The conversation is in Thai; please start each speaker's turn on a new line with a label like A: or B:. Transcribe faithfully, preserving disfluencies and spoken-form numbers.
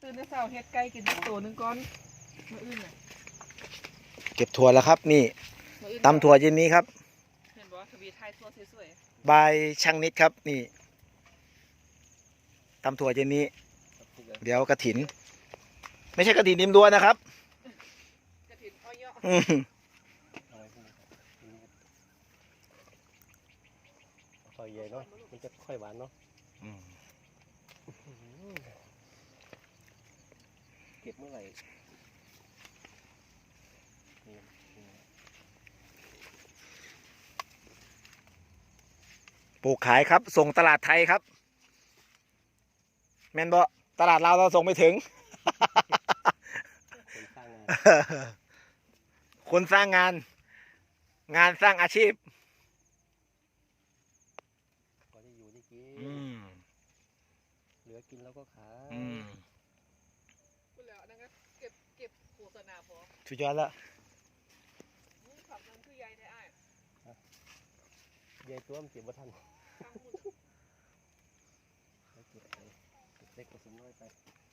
A: ตื่นเช้าเฮ็ดไก่กินตัวนึงก่อนมื้ออื่นน่ะ
B: เก็บถั่วแล้วครับนี่ตำถั่วเย็นนี้ครับ
A: เห็นบ่ทวีไทยถั่วสวย
B: บายช่างนิดครับนี่ตำถั่วเย็นนี้เดี๋ยวกระถินไม่ใช่กระถินริมรั้วนะครับ
A: กระถิ่นอ้อยเยาะ
B: อืม
C: ค่อยใหญ่เนาะมันจะค่อยหวานเนาะเก็บเมื่อไหร่
B: ปลูกขายครับส่งตลาดไทยครับแม่นบ่ตลาดเราวเราส่งไม่ถึง
C: คนสร้างงาน
B: คนสร้างงานงานสร้างอาชีพ
C: พอได้อยู่ได้กิน
B: อืม
C: เหลือกินแล้วก็ขาย
B: อืม
A: พูดแล้วนั่นก็เก็บเก็บโฆษณาพอ
B: สุดยอดแล้ว
A: มึงขับนั่นคือยายได้อ้าย
C: ยายตัวมันเก็บบ่ทัน
A: ทางหุ่น
C: แล้วเก็บไปเก็บเล็กผสมน้อยไป